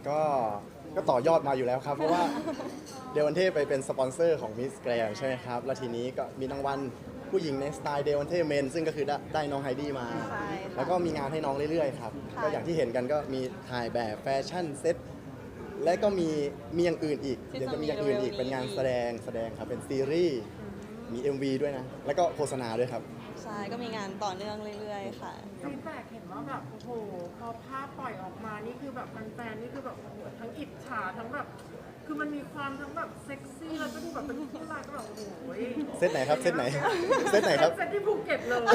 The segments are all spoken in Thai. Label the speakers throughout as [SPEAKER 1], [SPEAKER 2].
[SPEAKER 1] ก็ก็ต่อยอดมาอยู่แล้วครับเพราะว่าเดวันเท่ไปเป็นสปอนเซอร์ของมิสแกรนใช่ไหมครับแล้วทีนี้ก็มีรางวัลผู้หญิงในสไตล์เดวันเท่เมนซึ่งก็คือได้น้องไฮดี้มา
[SPEAKER 2] ใช่ค่ะ
[SPEAKER 1] แล้วก็มีงานให้น้องเรื่อยๆครับ
[SPEAKER 2] ค่ะ
[SPEAKER 1] ก็อย่างที่เห็นกันก็มีถ่ายแบบแฟชั่นเซ็ตและก็มีอย่างอื่นอีก
[SPEAKER 2] ที่
[SPEAKER 1] เดี๋ยว
[SPEAKER 2] จะ
[SPEAKER 1] จะ
[SPEAKER 2] มี
[SPEAKER 1] มีอย่างอื่นอีก
[SPEAKER 2] เร็วๆนี้
[SPEAKER 1] เป็นงานแสดงครับเป็นซีรีส์มี MV ด้วยนะ แล้วก็โฆษณาด้วยครับ
[SPEAKER 2] ใช่ก็มีงานต่อเนื่องเรื่อยๆค่ะ
[SPEAKER 3] ฟีดแบ็กเห็นว่าแบบโอ้โหพอภาพปล่อยออกมานี่คือแบบแฟนๆนี่คือแบบโอ้โหทั้งอิจฉาทั้งแบบคือมันมีความทั้งแบบเซ็กซี่แล้วก็ดูแบบเป็นผู้ชายก็แบบโอ้โห
[SPEAKER 1] เซตไหนครับเซตไหนเซตไหนครับ
[SPEAKER 3] เซตที่ภูเก็ตเลย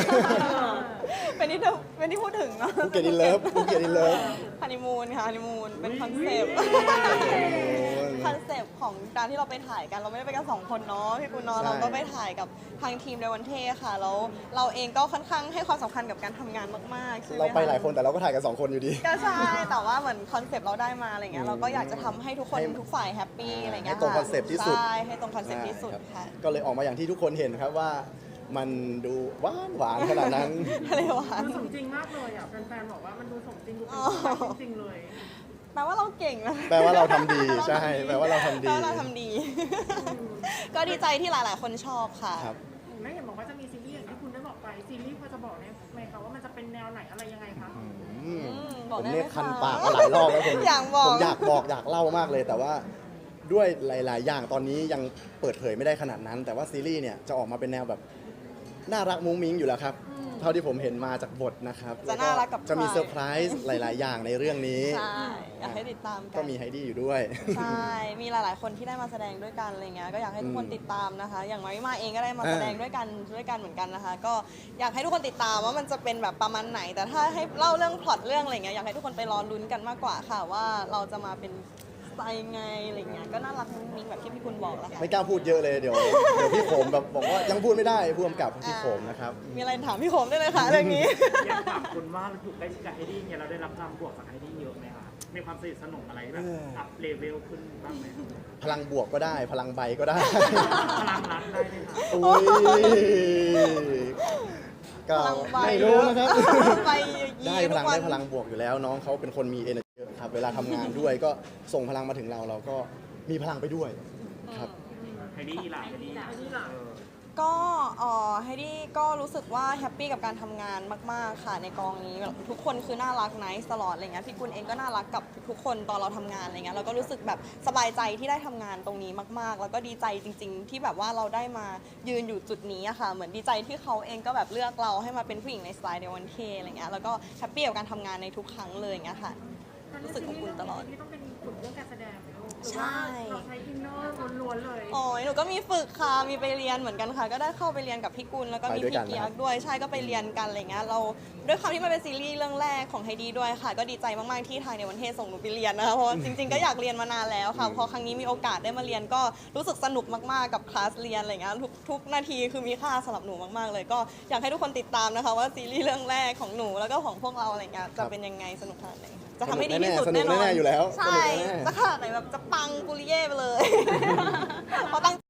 [SPEAKER 2] เป็นที่พูดถึงเนาะ
[SPEAKER 1] ภูเก็ตอินเลิฟภูเก็ตอินเลิฟ
[SPEAKER 2] ฮันนีมูนค่ะฮันนีมูนเป็นคอนเซปต์คอนเซปต์ของการที่เราไปถ่ายกันเราไม่ได้ไปกันสองคนเนาะพี่กุลเนาะ
[SPEAKER 1] ใช่
[SPEAKER 2] เราก็ไปถ่ายกับทางทีมเดวันเท่ค่ะแล้วเราเองก็ค่อนข้างให้ความสำคัญกับการทำงานมากๆใช่ไหม
[SPEAKER 1] เรา
[SPEAKER 2] คะ
[SPEAKER 1] ไปหลายคนแต่เราก็ถ่ายกัน2 คนอยู่ดี
[SPEAKER 2] ก็ใช่แต่ว่าเหมือนคอนเซปต์เราได้มาอะไรเงี้ยเราก็อยากจะทำให้ทุกคน
[SPEAKER 1] ให้
[SPEAKER 2] ทุกฝ่ายแฮปปี้อะไรเงี้ย
[SPEAKER 1] ให้ตรงคอนเซปต์ที่สุด
[SPEAKER 2] ใช่ให้ตรงคอนเซปต์ที่สุดค่ะ
[SPEAKER 1] ก็เลยออกมาอย่างที่ทุกคนเห็นครับว่ามันดูหวานขนาดนั้น
[SPEAKER 2] อะไรวะ
[SPEAKER 3] มันสมจริงมากเลยอ่ะแฟนๆบอกว่ามันดูสมจริงดูเป็น
[SPEAKER 2] อ๋อ
[SPEAKER 3] ผู้ชายจริงๆเลย
[SPEAKER 2] แปลว่าเราเก่งนะ
[SPEAKER 1] แปลว่าเราทำดีใช่แปลว่าเราทำดี
[SPEAKER 2] แปลว่าเราทำดี ก็ดีใจที่หลาย ๆ คนชอบค่ะ
[SPEAKER 1] ครับ
[SPEAKER 3] แม่เห็นบอกว่าจะมีซีรีส์อย่างที่คุณได้บอกไปซีรีส์พอจะบอกได้ไหมคะว่ามันจะเป็นแนวไหนอะไรยังไงคะ
[SPEAKER 2] บอ
[SPEAKER 1] ผ
[SPEAKER 2] ก
[SPEAKER 1] ม
[SPEAKER 2] ได้ไหม
[SPEAKER 1] เนี่ยคัน
[SPEAKER 2] คะ
[SPEAKER 1] ปากมาหลายรอบแล้วผม
[SPEAKER 2] อยากบอก
[SPEAKER 1] ผมอยากบอกอยากเล่ามากเลย แต่ว่าด้วยหลาย ๆ อย่างตอนนี้ยังเปิดเผยไม่ได้ขนาดนั้น แต่ว่าซีรีส์เนี่ยจะออกมาเป็นแนวแบบน่ารักมุ้งมิ้งอยู่แล้วครับ เท่าที่ผมเห็นมาจากบทนะครับ
[SPEAKER 2] จะน่ารักกับ
[SPEAKER 1] จะมี
[SPEAKER 2] ใคร
[SPEAKER 1] เซอร์ไพรส์หลาย ๆ อย่างในเรื่องนี้
[SPEAKER 2] ใช่อยากให้ติดตามกั
[SPEAKER 1] ก็มีไฮดี้อยู่ด้วย
[SPEAKER 2] ใช่ มีหลาย ๆ คนที่ได้มาแสดงด้วยกันอะไรเงี้ย ก็อยากให้ทุกคนติดตามนะคะ อย่างมาริมาเองก็ได้มาแสดงด้วยกันเหมือนกันนะคะ ก็อยากให้ทุกคนติดตามว่ามันจะเป็นแบบประมาณไหน แต่ถ้าให้เล่าเรื่องพล็อตเรื่องอะไรเงี้ย อยากให้ทุกคนไปรอลุ้นกันมากกว่าค่ะว่าเราจะมาเป็นสไตล์ยังไงอะไรเงี้ย ก็น่ารักมุ้งมิ้งแบบที่พี่คุณบอกแหละค่ะ
[SPEAKER 1] ไม่กล้าพูดเยอะเลยเดี๋ยวพี่โขมแบบบอกว่ายังพูดไม่ได้ผู้กำกับพี่โขมนะครับ
[SPEAKER 2] มีอะไรถามพี่โขมได้เลยค่ะเรื่องนี้
[SPEAKER 4] อยากถามคุณว่าอยู่ใกล้ชิดกับไฮดี้เนี่ยเราได้รับความบวกจากไฮดี้เยอะไหมคะมีความสนิทสนมอะไรแบบอัพเลเวลขึ้นบ้างไหม
[SPEAKER 1] พลังบวกก็ได้ พลังใบก็ได้
[SPEAKER 4] พลังรักได้ไหมคะ
[SPEAKER 1] อุ้ยก็
[SPEAKER 2] พลังใบ
[SPEAKER 1] ไม่รู้นะครับ
[SPEAKER 2] ไปยี
[SPEAKER 1] ได้พ
[SPEAKER 2] ทุ
[SPEAKER 1] ลั
[SPEAKER 2] ก
[SPEAKER 1] ง
[SPEAKER 2] วัน
[SPEAKER 1] ได้พลังบวกอยู่แล้วน้องเขาเป็นคนมี energy เยอะครับ เวลาทำงานด้วยก็ส่งพลังมาถึงเราก็มีพลังไปด้วยครับ
[SPEAKER 4] ไฮดี้ล่ะไฮดี้
[SPEAKER 3] ไฮดี้ล่ะ
[SPEAKER 2] ก็ไฮดี้ก็รู้สึกว่าแฮปปี้กับการทำงานมากๆค่ะในกองนี้แบบทุกคนคือน่ารักไนท์ตลอดอะไรเงี้ยพี่กุลเองก็น่ารักกับทุกคนตอนเราทำงานอะไรเงี้ยเราก็รู้สึกแบบสบายใจที่ได้ทำงานตรงนี้มากๆ แล้วก็ดีใจจริง ๆ ที่แบบว่าเราได้มายืนอยู่จุดนี้อะค่ะเหมือนดีใจที่เขาเองก็แบบเลือกเราให้มาเป็นผู้หญิงในสไตล์เดวันเคอะไรเงี้ยแล้วก็แฮปปี้กับการทำงานในทุกครั้งเลยอย่างเงี้ยค่ะ รู้สึกอบอุ่นตลอด
[SPEAKER 3] ที่ต้องเป็นฝึกเรื่องการแสดงไหมลูกหรือ
[SPEAKER 2] ใช่
[SPEAKER 3] ว่าเราใช้อินเนอร์ล้วนๆเลย
[SPEAKER 2] โอ้ยหนูก็มีฝึกค่ะ มีไปเรียนเหมือนกันค่ะ ก็ได้เข้าไปเรียนกับพี่กุลแล้วก็มี
[SPEAKER 1] ไปด้วยกั
[SPEAKER 2] พี่
[SPEAKER 1] น
[SPEAKER 2] เกีย
[SPEAKER 1] นะครั
[SPEAKER 2] ก
[SPEAKER 1] บ
[SPEAKER 2] ด้วย ใช่ ก็ไปเรียนกันอะไรเงี้ย เราด้วยความที่มันเป็นซีรีส์เรื่องแรกของไฮดีด้วยค่ะ ก็ดีใจมากๆที่ทางในวันเทศส่งหนูไปเรียนนะคะ เพราะว่าจริงๆ ก็อยากเรียนมานานแล้วค่ะ พอครั้งนี้มีโอกาสได้มาเรียนก็รู้สึกสนุกมากๆ กับคลาสเรียนอะไรเงี้ย ทุกนาทีคือมีค่าสำหรับหนูมากๆ เลย ก็อยากให้ทุกคนติดตามนะคะว่าซีรีส์เรื่องแรกของหนูแล้วก็ของพวกเราอะไรเงี้ย จะเป็นยังไงสนุกขนาดไหนจะทำให้ดีที่สุด
[SPEAKER 1] สนุ
[SPEAKER 2] แน่
[SPEAKER 1] ก
[SPEAKER 2] นอน
[SPEAKER 1] แน่ๆอยู่แล้ว
[SPEAKER 2] ใช่
[SPEAKER 1] สนุกแน่ๆ
[SPEAKER 2] จะขนาดไหนแบบจะปังกุลิเย่ไปเลย เพราะตั้ง